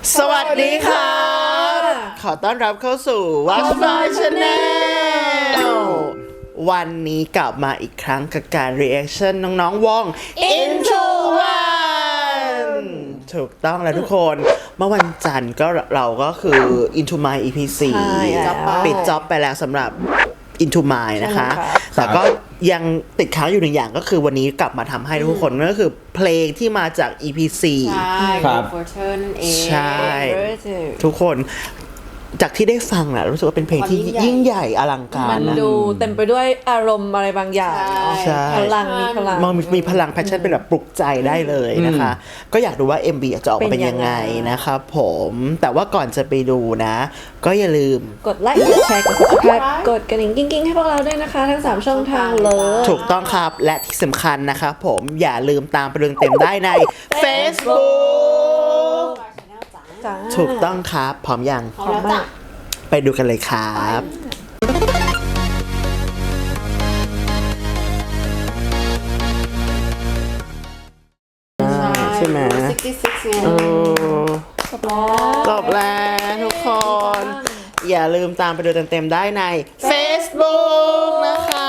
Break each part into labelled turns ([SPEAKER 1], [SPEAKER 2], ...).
[SPEAKER 1] สวัสดีครับขอต้อนรับเข้าสู่ Watch My Channel วันนี้กลับมาอีกครั้งกับการ reaction น้องๆวง Into One ถูกต้องแล้วทุกคนเมื่อวันจันทร์ก็เราก็คือ Into My EP 4ปิดจ็อบไปแล้วสำหรับ Into My นะคะแต่ก็ยังติดค้างอยู่หนึ่งอย่างก็คือวันนี้กลับมาทำให้ทุกคนนั่นก็คือเพลงที่มาจาก EP 4
[SPEAKER 2] ครับ
[SPEAKER 1] ใช่ทุกคนจากที่ได้ฟังนะรู้สึกว่าเป็นเพลงที่ยิ่งใหญ่อลังการ
[SPEAKER 3] มันดูเต็มไปด้วยอารมณ์อะไรบางอย่าง
[SPEAKER 1] ใช่
[SPEAKER 3] พลังมีพลัง
[SPEAKER 1] มันมีพลังแพชชั่นเป็นแบบปลุกใจได้เลยนะคะ ก็อยากดูว่า MV จะออกมาเป็นยังไงนะครับผมแต่ว่าก่อนจะไปดูนะ ก็อย่าลืม
[SPEAKER 3] กดไลค์กดแชร์กด subscribe กดกระดิ่งกิ้งๆให้พวกเราด้วยนะคะทั้ง3ช่องทางเลย
[SPEAKER 1] ถูกต้องครับและที่สำคัญนะครับผมอย่าลืมตามไปดูเต็มได้ใน Facebook ถูกต้องครับพร้อมยัง
[SPEAKER 3] พร้อมมาก
[SPEAKER 1] ไปดูกันเลยครับใช่ไหมจบแล้วทุกคน อย่าลืมตามไปดูเต็มๆได้ใน Facebook นะครับ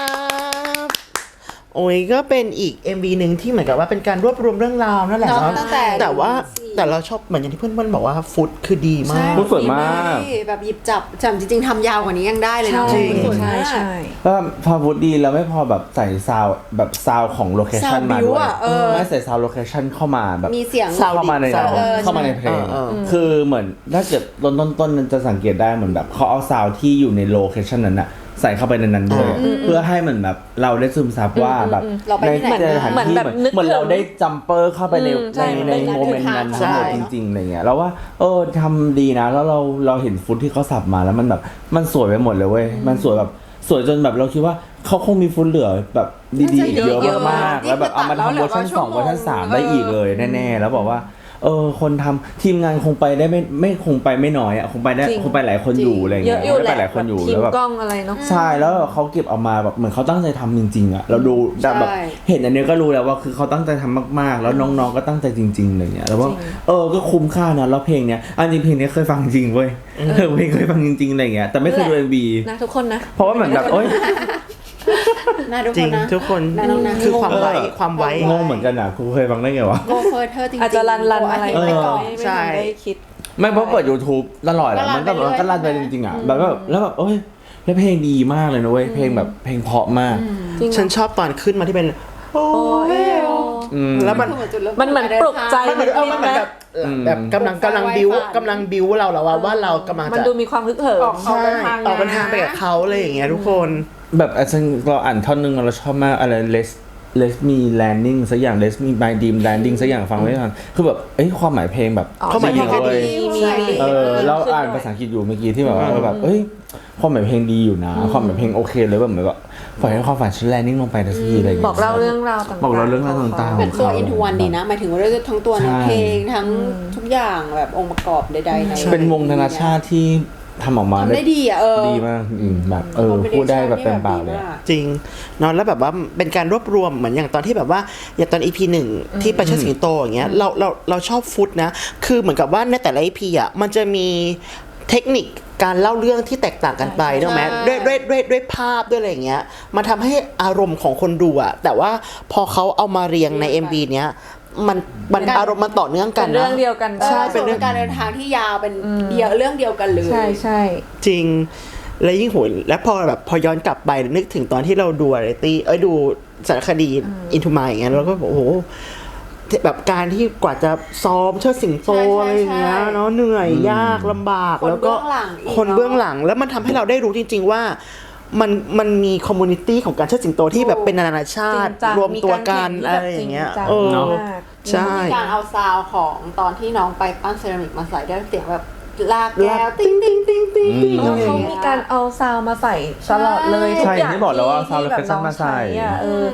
[SPEAKER 1] โอ้ยก็เป็นอีก MV หนึ่งที่เหมือนกับว่าเป็นการรวบรวมเรื่องราวนั่นแหละเนาะแต่ว่าแต่เราชอบเหมือนอย่างที่เพื่อนๆบอกว่าฟุตคือดีมาก
[SPEAKER 2] ฟุตสวยมาก
[SPEAKER 4] แบบหยิบจับจริงๆทำยาวกว่านี้ยังได้เลยนะ
[SPEAKER 3] ใช่
[SPEAKER 4] จริง
[SPEAKER 3] ใช่ใช่
[SPEAKER 2] ก็พอฟุตดีแล้วไม่พอแบบใส่ซาวแบบซาวของโลเคชัน
[SPEAKER 4] ซาว
[SPEAKER 2] มา
[SPEAKER 4] บิว
[SPEAKER 2] ด้วย
[SPEAKER 4] อะ
[SPEAKER 2] ไม่ใส่ซาวโลเคชันเข้ามาแบบ
[SPEAKER 4] มีเสียง
[SPEAKER 2] เข้ามาใน
[SPEAKER 1] ซาวด์
[SPEAKER 2] เข้ามาในเพลง
[SPEAKER 1] เออ
[SPEAKER 2] คือเหมือนถ้าเกิดต้นจะสังเกตได้เหมือนแบบเขาเอาซาวที่อยู่ในโลเคชันนั้นอะใส่เข้าไปในนั้นด้วยเพื่อให้เหมือนแบบเราได้ซึมซับว่าแบบในสถานที่เหมือนเราได้จัมเปอร์เข้าไปในโมเมนต์นั้นทั้งหมดจริงๆอะไรเงี้ยแล้วว่าทำดีนะแล้วเราเห็นฟุตที่เขาสับมาแล้วมันแบบมันสวยไปหมดเลยเว้ยมันสวยแบบสวยจนแบบเราคิดว่าเขาคงมีฟุตเหลือแบบดีๆอีกเยอะมากแล้วแบบเอามาทำเวอร์ชัน2เวอร์ชัน3ได้อีกเลยแน่ๆแล้วบอกว่าคนทำทีมงานคงไปได้ไม่คงไปไม่น้อยอ่ะคงไปได้คงไปหลายคนอยู่อะไร
[SPEAKER 3] เย
[SPEAKER 2] เงี้
[SPEAKER 3] อะ
[SPEAKER 2] ย
[SPEAKER 3] อยู่
[SPEAKER 2] ได้
[SPEAKER 3] แห
[SPEAKER 2] ไป
[SPEAKER 3] ละ
[SPEAKER 2] หลายคนอยู่
[SPEAKER 3] ที
[SPEAKER 2] แล้
[SPEAKER 3] ม
[SPEAKER 2] วแบบ
[SPEAKER 3] กล้องอะไรเนาะ
[SPEAKER 2] ใช่แล้วเขาเก็บเอามาแบบเหมือนเขาตั้งใจทำจริงๆอ่ะเราดูแบบเห็นอันนี้ก็รู้แล้วว่าคือเขาตั้งใจทำมากๆแล้วน้องๆก็ตั้งใจจริงๆอะไรเงี้ยแล้วว่าก็คุ้มค่านะแล้วเพลงเนี้ยอันจริงเพลงนี้เคยฟังจริงเว้ยเพลงเคยฟังจริงๆอะไรเงี้ยแต่ไม่เคยดู MV
[SPEAKER 3] นะทุกคนนะ
[SPEAKER 2] เพราะว่าเหมือนแบบ
[SPEAKER 4] น่าดู
[SPEAKER 1] จริ
[SPEAKER 4] ค
[SPEAKER 1] ง
[SPEAKER 4] นนะ
[SPEAKER 1] ทุกคน
[SPEAKER 4] น้องๆ
[SPEAKER 1] คือความไว้
[SPEAKER 2] งงเหมือนกันอ่ะกูเคยฟังได้ไงวะ
[SPEAKER 4] โกเฟอร์เธอจริงๆ
[SPEAKER 3] อาจจะรันอะไร
[SPEAKER 4] ไปก่อน
[SPEAKER 3] ไม่
[SPEAKER 1] ใช่
[SPEAKER 3] ได้คิด
[SPEAKER 2] ไม่เพราะเปิด YouTube ตลอดอะมันก็ลั่นไปจริงๆอ่ะแบบแล้วแบบแล้วเพลงดีมากเลยนะเว้ยเพลงแบบเพลงเพราะมาก
[SPEAKER 1] ฉันชอบตอนขึ้นมาที่เป็นโอ้ยแล้วมัน
[SPEAKER 3] มันเหมือนปลุกใจ
[SPEAKER 1] มันเหมือนมันเหมือนแบบกำลังบิวเราแล้วว่ากำลัง
[SPEAKER 3] มัน
[SPEAKER 1] จะ
[SPEAKER 3] ดูมีความฮึกเหิม
[SPEAKER 1] ใช่ออกเดินทางไปกับเขาอะไรอย่างเงี้ยทุกคน
[SPEAKER 2] แบบเราอ่านท่อนนึงเราชอบมากอะไร Let me landing สักอย่าง Let me my dream landing สักอย่างฟังไม่ทันคือแบบความหมายเพลงแบบ
[SPEAKER 1] ความหมายเพลงก็ดี
[SPEAKER 2] เราอ่านภาษาอังกฤษอยู่เมื่อกี้ที่แบบว่าแบบความหมายเพลงดีอยู่นะความหมายเพลงโอเคเลยแบบเหมือนแบบปล่อยให้ความฝันฉันแลนดิ้งลงไปทันทีอะไรอย่าง
[SPEAKER 3] บ
[SPEAKER 2] เงี้ย
[SPEAKER 3] อกเล่าเรื่องราวต่างๆ
[SPEAKER 2] บอกเราเรื่องราวต่างๆ
[SPEAKER 4] เป็นตัว into one ดีนะหมายถึงว่าด้วยทั้งตัวเนื้อเพลงทั้งทุกอย่างแบบองค์ประกอบใดๆใน
[SPEAKER 2] เป็นวงนานาชาติที่ทำออกมา
[SPEAKER 4] ทำได้ดีอ่ะ
[SPEAKER 2] ดีมากแบบพูดได้แบบเต็มปากเลย
[SPEAKER 1] จริงเนอะแล้วแบบว่าเป็นการรวบรวมเหมือนอย่างตอนที่แบบว่าอย่างตอน EP 1ที่ไปเชิดสิงโตอย่างเงี้ยเราชอบฟุตนะคือเหมือนกับว่าในแต่ละ EP อ่ะมันจะมีเทคนิคการเล่าเรื่องที่แตกต่างกันไปถูกไหมด้วยภาพด้วยอะไรอย่างเงี้ยมันทำให้อารมณ์ของคนดูอ่ะแต่ว่าพอเขาเอามาเรียงใน MV เนี้ยมันอารมณ์มันต่อเนื่องกันนะ
[SPEAKER 3] เรื่องเดียวกัน
[SPEAKER 4] ใช่เป็นเรื่องการเดินทางที่ยาวเป็นเรื่องเดียวกันเลย
[SPEAKER 3] ใช่
[SPEAKER 1] จริงและยิ่งโหยและพอย้อนกลับไปนึกถึงตอนที่เราดูอะไรตี้ดูสารคดีอินทูมายอย่างเงี้ยเราก็โอ้โหแบบการที่กว่าจะซ้อมเชิดสิงโตอะไรอย่างเงี้ยเนาะเหนื่อยยากลำบากแล้วก็คนเบื้องหลังแล้วมันทำให้เราได้รู้จริงๆว่ามันมีคอมมูนิตี้ของการเชิดสิงโตที่แบบเป็นนานาชาติรวมตัวกันอะไรอย่างเงี้ยใช่
[SPEAKER 4] มีการเอาซาวของตอนที่น้องไปปั้นเซรามิกมาใส่ได้เสียงแบบลากแก้วติ้งติ้งติ้งติ้งติ้ง
[SPEAKER 3] เขามีการเอาซาวมาใส่ตลอดเลยทุกอย่าง
[SPEAKER 2] ที่บอกแล้วว่าซาวด์โลเคชั่นมาใส่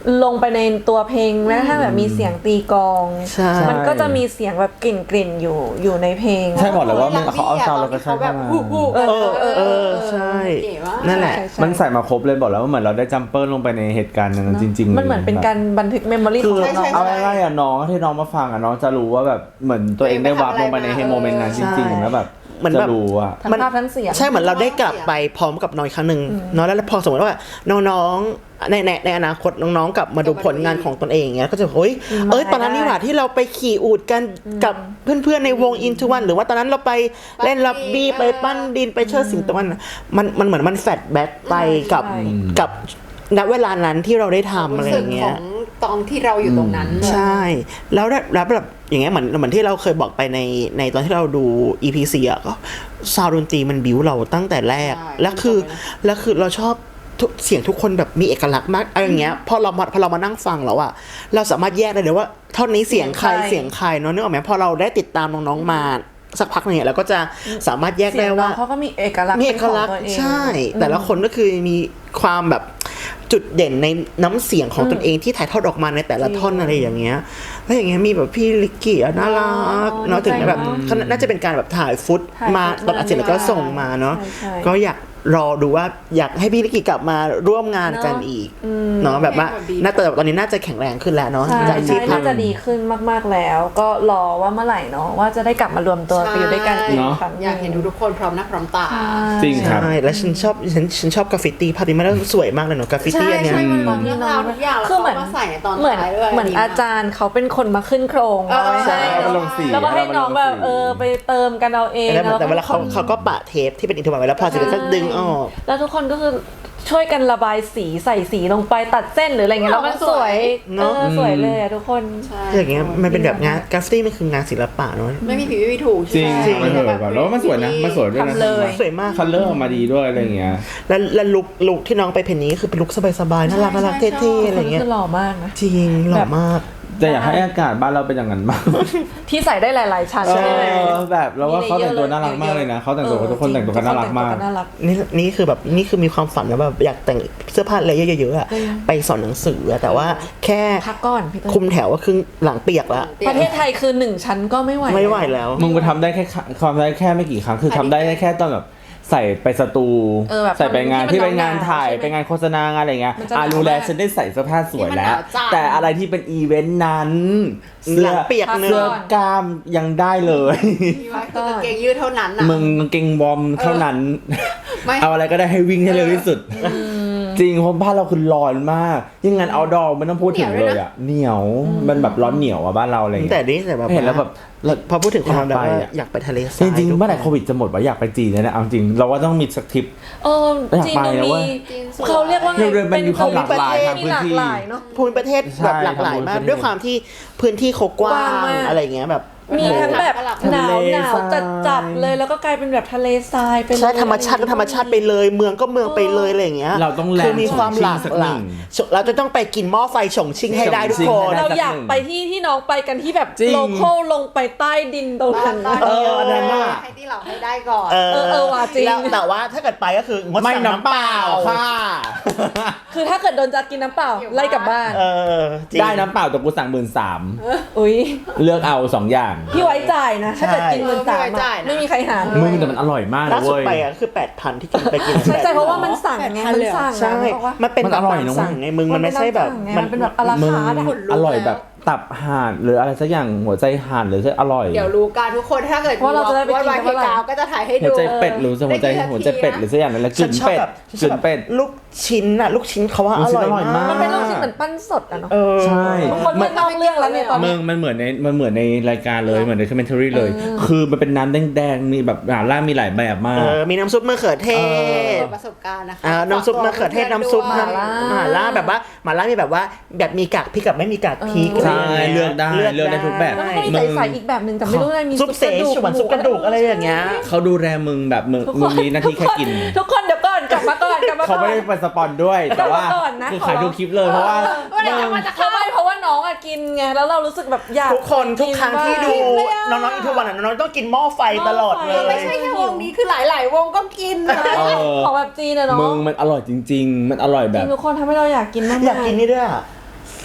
[SPEAKER 3] ลงไปในตัวเพลงแม้กระทั่งแบบมีเสียงตีกลอง
[SPEAKER 1] ใช่
[SPEAKER 3] มันก็จะมีเสียงแบบกลิ่นอยู่ในเพลง
[SPEAKER 2] ใช่บอกเลยว่ามันเขาเอาซาวด์แล้วก็ใช้
[SPEAKER 4] แบ
[SPEAKER 2] เข้า
[SPEAKER 4] บ
[SPEAKER 2] มา
[SPEAKER 1] ใช่
[SPEAKER 4] เก๋มาก
[SPEAKER 1] นั่นแหละ
[SPEAKER 2] มันใส่มาครบเลยบอกแล้วว่าเหมือนเราได้จัมเปอร์ลงไปในเหตุการณ์นั้นจริงๆ
[SPEAKER 3] มันเหมือนเป็นการบันทึกเมมโมรี่ของน้อง
[SPEAKER 2] เอาง่ายๆอ่ะน้องที่น้องมาฟังอ่ะน้องจะรู้ว่าแบบเหมือนตัวเองได้วาร์ปลงไปในโมเมนต์นั้นจริงๆแล้วแบบ
[SPEAKER 1] เหมือนแบบ
[SPEAKER 2] จะรู้อ่ะ
[SPEAKER 3] ทั้งภาพทั้งเสียง
[SPEAKER 1] ใช่เหมือนเราได้กลับไปพร้อมกับน้อยครั้งหนึ่งเนาะแล้วพอสมมติว่าน้องๆในอนาคตน้องๆกลับมาดูผลงานของตนเองอย่างเงี้ยก็จะเฮ้ยตอนนั้นนี่หว่าที่เราไปขี่อูฐกันกับเพื่อนๆในวง Into One หรือว่าตอนนั้นเราไปเล่นลับบี้ไปปั้นดินไปเชิดสิงโตมันเหมือนมันแฟลชแบ็กไปกับณเวลานั้นที่เราได้ทำอะไรอย่างเงี้ย
[SPEAKER 4] ของตอนที่เราอยู่ตรงนั้น
[SPEAKER 1] ใช่ แล้วแบบอย่างเงี้ยเหมือนที่เราเคยบอกไปในตอนที่เราดู EP4 อ่ะก็ซาวด์ดนตรีมันบิ้วเราตั้งแต่แรก
[SPEAKER 4] ใช่
[SPEAKER 1] แล้วคือเราชอบเสียงทุกคนแบบมีเอกลักษณ์มากอะไรอย่างเงี้ยพอเรามานั่งฟังแล้วอ่ะเราสามารถแยกได้เลยว่าเท่านี้เสียงใครเสียงใครเนาะนึกออกไหมพอเราได้ติดตามน้องๆมาสักพักเนี่ยเราก็จะสามารถแยกได้ว่า
[SPEAKER 3] เขาก็มีเอกลักษณ์
[SPEAKER 1] มีเอกลักษณ์ใช่ แต่ละคนก็คือมีความแบบจุดเด่นในน้ำเสียงของตนเองที่ถ่ายทอดออกมาในแต่ละท่อนอะไรอย่างเงี้ยแล้วอย่างเงี้ยมีแบบพี่ลิกกี้น่ารักเนาะถึงแบบน่าจะเป็นการแบบถ่ายฟุตมาตอนอัดเสร็จแล้วก็ส่งมาเนาะก็อยากรอดูว่าอยากให้พี่ลิกกี้กลับมาร่วมงานกันอีกเนาะแบบว่าน่าจะตอนนี้น่าจะแข็งแรงขึ้นแล้วเนาะ
[SPEAKER 3] ใช่
[SPEAKER 1] จากที่
[SPEAKER 3] น่าจะดีขึ้นมากๆแล้ว ก็รอว่าเมื่อไหร่เนาะว่าจะได้กลับมารวมตัวไปอยู่ด้วยกันอีก
[SPEAKER 2] เนาะ
[SPEAKER 3] ครั้ง
[SPEAKER 4] อยากเห็นทุกคนพร้อมหน้าพร้อมตา
[SPEAKER 2] จริงครับ
[SPEAKER 1] ใช่แล้วฉันชอบกราฟฟิตี้ภาพนี้มันสวยมากเลยเนาะกราฟฟิตี้อันเนี้ย
[SPEAKER 4] ใช่มันตอนเรื่องราวทุกอย่างแล้ว
[SPEAKER 3] คือเหมือน
[SPEAKER 4] เขามาใส่ในตอน
[SPEAKER 3] เหมือน
[SPEAKER 4] ท้ายด้วย
[SPEAKER 3] เหมือนอาจารย์เขาเป็นคนมาขึ้นโครง
[SPEAKER 4] ใช่
[SPEAKER 2] แล้วก็ลงสี
[SPEAKER 3] แล้วก็ให้น้องแบบ
[SPEAKER 2] แล้วก็ลงสี
[SPEAKER 3] ไปเติมกันเอาเอง
[SPEAKER 1] แต่เวลาเขาก็ปะเทปที่เป็นอินโทรไว้แล้วพอเสร็จแล้วก็ดึงออก
[SPEAKER 3] แล้วทุกคนก็คือช่วยกันระบายสีใส่สีลงไปตัดเส้นหรืออะไรเงี้ยแล้วมันสวย
[SPEAKER 1] เนอะ
[SPEAKER 3] สวยเลยอะทุกคน
[SPEAKER 4] ใช่
[SPEAKER 1] อย่างเงี้ยมันเป็นแบบงานกราฟฟิตี้มันคืองานศิลปะเนาะ
[SPEAKER 4] ไม่มีผิดไม่มีถูก
[SPEAKER 2] จริง
[SPEAKER 4] ใช่ไหม
[SPEAKER 2] มันเถอะแบบแล้วมันสวยนะมันสวยด้วยนะ
[SPEAKER 3] ทำเลย
[SPEAKER 1] สวยมาก
[SPEAKER 2] คัลเลอร์ออกมาดีด้วยอะไรอย่างเงี้ย
[SPEAKER 1] แล้วลุคที่น้องไปเพนนี้คือเป็นลุคสบายๆน่ารักเท่ๆอะไรเงี้ย
[SPEAKER 3] คือหล่อมากนะ
[SPEAKER 1] จริงหล่อมาก
[SPEAKER 2] แต่อยากให้อากาศบ้านเราเป็นอย่างนั้นบ้าง
[SPEAKER 3] ที่ใส่ได้หลายๆชั้น
[SPEAKER 2] เอ
[SPEAKER 3] ใช่ไหม
[SPEAKER 2] อแบบเราว่าเขาแต่งตัวน่ารักมากเลยนะเขาแต่งตัวทุกคนแต่งตัวกันน่ารักมาก
[SPEAKER 3] ทุคนแต่งตัวน่ารัก
[SPEAKER 1] นี่คือแบบนี่คือมีความฝันนะแบบอยากแต่งเสื้อผ้าอะไรเยอะๆอะไปสอนหนังสืออะแต่ว่าแค่
[SPEAKER 3] พักก่อนพี่ต้น
[SPEAKER 1] คุมแถวก็คือหลังเปียกละ
[SPEAKER 3] ประเทศไทยคือ1ชั้นก็ไม่ไหว
[SPEAKER 1] ไม่ไหวแล้ว
[SPEAKER 2] มึงไปทำได้แค่ความได้แค่ไม่กี่ครั้งคือทำได้แค่ตอนแบบใส่ไปสตู
[SPEAKER 3] แบบ
[SPEAKER 2] ใส่ไปงาน
[SPEAKER 3] ที่
[SPEAKER 2] ที่
[SPEAKER 3] มัน
[SPEAKER 2] ไปงาน
[SPEAKER 3] หนาวๆ
[SPEAKER 2] ถ่าย
[SPEAKER 3] ใช่ไหม
[SPEAKER 2] ไปงานโฆษณางานอะไรเงี้ย
[SPEAKER 3] มันจะหนาว
[SPEAKER 2] รู้แล้ว
[SPEAKER 3] มาก
[SPEAKER 2] ฉันได้ใส่เสื้อผ้าสวยแล้ว
[SPEAKER 4] ที่มันหนาวจัด
[SPEAKER 2] แต่อะไรที่เป็นอีเวนต์นั้น
[SPEAKER 1] หลังเปียกเนอะ
[SPEAKER 2] เสื้อกล้ามยังได้เลย
[SPEAKER 4] มีไว้คือกางเกงยืดเท่านั้นน่ะ
[SPEAKER 2] มึงกางเกงวอร์มเท่านั้น
[SPEAKER 4] ไม่
[SPEAKER 2] เอาอะไรก็ได้ให้วิ่งให้เร็วที่สุด จริงเพราะบ้านเราคือร้อนมากยังงานเอาดอไม่ต้องพูดถึงเลยอ่ะเหนียวมันแบบร้อนเหนียวอ่ะบ้านเราอะไรอย่าง
[SPEAKER 1] แต่
[SPEAKER 2] เงี้ย
[SPEAKER 1] นี่แต่แบบ
[SPEAKER 2] เห็นแล้วแบบ
[SPEAKER 1] พอพูดถึงความแบบว่า
[SPEAKER 2] อยากไปอะ
[SPEAKER 1] อยากไปทะเลท
[SPEAKER 2] จ
[SPEAKER 1] ราย
[SPEAKER 2] ริงๆเมื่อไหร่โควิดจะหมดวะอยากไปจีนเลยนะเอาจริงเราว่าต้องมีสักทริป อยาก
[SPEAKER 3] จีน
[SPEAKER 2] ไป
[SPEAKER 3] มัน
[SPEAKER 2] นะ
[SPEAKER 3] มี
[SPEAKER 2] เว้ย
[SPEAKER 3] เขาเรียกว่าไง
[SPEAKER 2] มันมีความหลากหลายทางพื้นที่
[SPEAKER 3] มีหลากหลายเนาะ
[SPEAKER 1] ภูมิประเทศแบบหลากหลายมากด้วยความที่พื้นที่เขากว้าก
[SPEAKER 3] ว้าง
[SPEAKER 1] ง
[SPEAKER 3] มาก
[SPEAKER 1] อะไรเงี้ยแบบ
[SPEAKER 3] มีทั้งแบบหนาว
[SPEAKER 2] ทะเล
[SPEAKER 3] หนาว
[SPEAKER 2] ทราย
[SPEAKER 3] จัดเลยแล้วก็กลายเป็นแบบทะเลทรายไปเลย
[SPEAKER 1] ใช่ธรรมชาติก็ธรรมชาติไปเลยเมืองก็เมืองไปเลยอะไรอย่างเงี้ย
[SPEAKER 2] เราต้องแลนด์
[SPEAKER 1] คือมีความหลาก
[SPEAKER 2] ฉงชิ่งสัก
[SPEAKER 1] ห
[SPEAKER 2] หนึ่
[SPEAKER 1] ลาย
[SPEAKER 2] ง
[SPEAKER 1] เราจะต้องไปกินหม้อไฟฉงชิ่งให้ได้ทุกคน
[SPEAKER 2] ให้ได้
[SPEAKER 3] เราอยากไปที่น้องไปกันที่แบบ
[SPEAKER 2] จริง
[SPEAKER 3] โลคอลลงไปใต้ดินตรงนั้น
[SPEAKER 2] อันนั้นน่ะ
[SPEAKER 4] ให้ที่เราให้ได้ก่อน
[SPEAKER 3] ว่ะจริง
[SPEAKER 1] แล้วแต่ว่าถ้าเกิดไปก็คืองด
[SPEAKER 2] ไม่
[SPEAKER 1] สั่ง
[SPEAKER 2] น้ำเปล่าค่ะ
[SPEAKER 3] คือถ้าเกิดโดนจัดกินน้ำเปล่าไล่กลับบ้าน
[SPEAKER 1] จริง
[SPEAKER 2] ได้น้ำเปล่าแต่กูสั่ง13,000
[SPEAKER 3] อุ้ย
[SPEAKER 2] เลือกเอา2อย่าง
[SPEAKER 3] พี่ไว้จ่ายนะ ถ้าเกิดกินเงินสาม
[SPEAKER 4] ไม่ไว้จ่ายนะ
[SPEAKER 3] ไม่มีใครหาร
[SPEAKER 2] มึงแต่มันอร่อยมาก
[SPEAKER 1] ล่า
[SPEAKER 2] นะ
[SPEAKER 1] สุด
[SPEAKER 2] เว้ย
[SPEAKER 1] ไปอ่ะคือ 8,000 ที่กินไปกิน
[SPEAKER 3] ใช่ใช่เพราะว่ามันสั่งไงมันสั่ง
[SPEAKER 1] ใช่
[SPEAKER 3] บอกว่า
[SPEAKER 1] มันเป็น
[SPEAKER 2] มันอร่อยนะ
[SPEAKER 1] สั่งไงมึงมันไม่ใช่แบบ
[SPEAKER 3] มันเป็นแบบอลา
[SPEAKER 2] มึง
[SPEAKER 3] คาร์ทอะ
[SPEAKER 2] อร่อยแบบตับห่านหรืออะไรสักอย่างหัวใจห่านหรืออร่อย
[SPEAKER 4] เดี๋ยวรู้กันทุกคนถ้าเกิด
[SPEAKER 3] ว่าเราจะได้ไปกิน
[SPEAKER 4] วาย
[SPEAKER 3] กันเมื่อไหร่
[SPEAKER 4] กาวก็จะถ่ายให้
[SPEAKER 2] หั
[SPEAKER 4] ดู
[SPEAKER 2] วใจเป็ดหรือหัวใจเป็ดหรือสักอย่างนั้นแหละก
[SPEAKER 1] ฉั
[SPEAKER 2] ลิ่
[SPEAKER 1] น
[SPEAKER 2] น
[SPEAKER 1] ชอบ
[SPEAKER 2] เป็ด
[SPEAKER 1] แบบ
[SPEAKER 2] กลิ่นเป็ด
[SPEAKER 1] ลูกชิ้นอะลูกชิ้นเขาว่า
[SPEAKER 2] ลู
[SPEAKER 1] อก
[SPEAKER 2] ชิ้น
[SPEAKER 1] ร่อย
[SPEAKER 2] อร่อยมาก
[SPEAKER 1] มาก
[SPEAKER 3] มันเป็นลูกชิ้นเหมือนปั้นสดอะเนาะ
[SPEAKER 2] ใช่
[SPEAKER 3] คนไม่นอกเรื่องแล้วเนี่ยตอน
[SPEAKER 2] มึ
[SPEAKER 3] นี้
[SPEAKER 2] งมันเหมือนในรายการเลยเหมือนในคอมเมนต์รีเลย คือมันเป็นน้ำแดงๆมีแบบหม่าล่ามีหลายแบบมาก
[SPEAKER 1] มีน้ำซุปมะเขือเทศ
[SPEAKER 4] ประสบการณ์นะคะ
[SPEAKER 1] น้ำซุปมะเขือเทศน้ำซุป
[SPEAKER 3] หม่าล่า
[SPEAKER 1] หม่าล่าแบบว่าหม่าล่ามีแบบว่าแบบมีกากพริกกับไม่มีกากพริก
[SPEAKER 2] ใช่
[SPEAKER 1] ะรย่างงี้ย
[SPEAKER 2] เลือกได้ทุกแบบ
[SPEAKER 3] แล้วมันก็มีใส่อีกแบบหนึ่งแต่ไม่รู้อะไรมี
[SPEAKER 1] ซุปเสฉวนซุปกระดูกอะไรอย่างเงี้ย
[SPEAKER 2] เขาดูแลมึงแบบมึงมีหน้าที่แค่กิน
[SPEAKER 3] ทุกคนเดี๋ยวก่อนกลับมาก่อน
[SPEAKER 2] เขาไม่ได้เป็นสปอนด้วย แต่ว่า
[SPEAKER 3] ก่อนนะ
[SPEAKER 2] คือขายทุกคลิปเลยเพราะว่า
[SPEAKER 3] เพราะว่าน้องอะกินไงแล้วเรารู้สึกแบบอยาก
[SPEAKER 1] ทุกคนทุกครั้งที่ดู
[SPEAKER 3] กินเลยอะ
[SPEAKER 1] น้องๆอินทวันน้องๆต้องกินหม้อไฟตลอดเลย
[SPEAKER 4] ไม่ใช่แค่วงนี้คือหลาย ๆ วงก็กินนะ
[SPEAKER 2] เออ
[SPEAKER 3] ของแบบจีนอะเนาะ
[SPEAKER 2] มึงมันอร่อยจริง ๆ มันอร่อยแบ
[SPEAKER 3] จริ
[SPEAKER 2] บ
[SPEAKER 3] งทุกคนทำให้เราอยากกินมากๆ
[SPEAKER 1] อยากกินนี่ด้วยอะ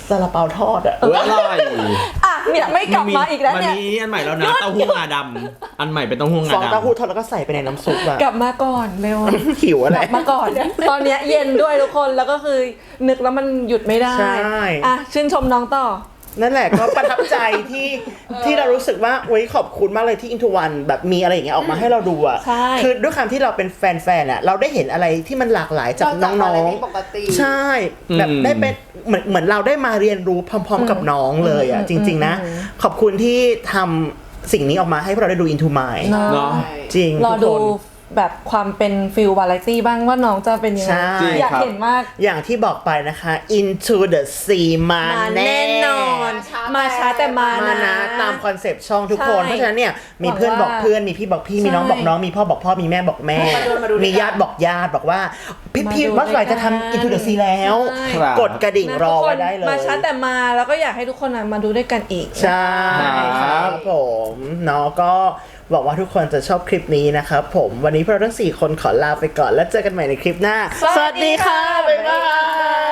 [SPEAKER 1] ซาลาเปาทอดอะ
[SPEAKER 2] อร่อย
[SPEAKER 3] อ่ะเนี่ยไม่กลับมาอีกแล้วเนี่ย
[SPEAKER 2] มันมีอันใหม่แล้วนะเต้าหู้งาดำอันใหม่เป็นเต้าหู้งา
[SPEAKER 1] ฟอง
[SPEAKER 2] ดำ
[SPEAKER 1] เต้าหู้ทอดแล้วก็ใส่ไปในน้ำซุปอะ
[SPEAKER 3] กลับมาก่อนเร็ว
[SPEAKER 1] หิวอะไร
[SPEAKER 3] กลับมาก่อน ตอนเนี้ยเย็นด้วยทุกคนแล้วก็คือนึกแล้วมันหยุดไม่ได้
[SPEAKER 1] ใช่
[SPEAKER 3] อ่ะชื่นชมน้องต่อ
[SPEAKER 1] นั่นแหละก็ประทับใจที่เรารู้สึกว่าโอ๊ยขอบคุณมากเลยที่ Into One แบบมีอะไรอย่างเงี้ยออกมาให้เราดูอะ
[SPEAKER 3] ใช่
[SPEAKER 1] คือด้วยความที่เราเป็นแฟนๆอะเราได้เห็นอะไรที่มันหลากหลายจากน้อง
[SPEAKER 4] ปกติ
[SPEAKER 1] ๆใช่แบบได้เป็นเหมือนเราได้มาเรียนรู้พร้อมๆกับน้องเลยอะจริงๆนะขอบคุณที่ทำสิ่งนี้ออกมาให้พวกเราได้ดู Into Mind
[SPEAKER 2] เนาะ
[SPEAKER 1] จริง
[SPEAKER 3] รอ
[SPEAKER 1] ทุ
[SPEAKER 3] ดู
[SPEAKER 1] กคน
[SPEAKER 3] แบบความเป็นฟิลวาไรตี้บ้างว่าน้องจะเป็นยังไง
[SPEAKER 1] ใช่
[SPEAKER 3] อยาก
[SPEAKER 2] ครับ
[SPEAKER 3] เห็นมาก
[SPEAKER 1] อย่างที่บอกไปนะคะ Into the Sea มาแน่นอน
[SPEAKER 3] มาช้าแต่มา
[SPEAKER 1] มา
[SPEAKER 3] นะ
[SPEAKER 1] นะตามคอนเซปต์ช่องทุกคน
[SPEAKER 3] ใช่
[SPEAKER 1] เพราะฉะนั้นเนี่ยมีเพื่อนบอกเพื่อนมีพี่บอกพี่มีน้องบอกน้องมีพ่อบอกพ่อมีแม่บอกแม่ มีญาติบอกญาติบอกว่าพี่ว่าไหร่จะทำ Into the Sea แล้ว
[SPEAKER 3] ใช่
[SPEAKER 2] ครับ
[SPEAKER 1] กดกระดิ่งรอไว้ได้เลย
[SPEAKER 3] มาช้าแต่มาแล้วก็อยากให้ทุกคนมาดูด้วยกันอีก
[SPEAKER 1] ใช่ค
[SPEAKER 2] ครั
[SPEAKER 1] รับบ ผมเนาะก็หวังว่าทุกคนจะชอบคลิปนี้นะครับผมวันนี้พวกเราทั้ง4คนขอลาไปก่อนแล้วเจอกันใหม่ในคลิปหน้า
[SPEAKER 3] สวัสดีค่ะ
[SPEAKER 1] บ๊ายบาย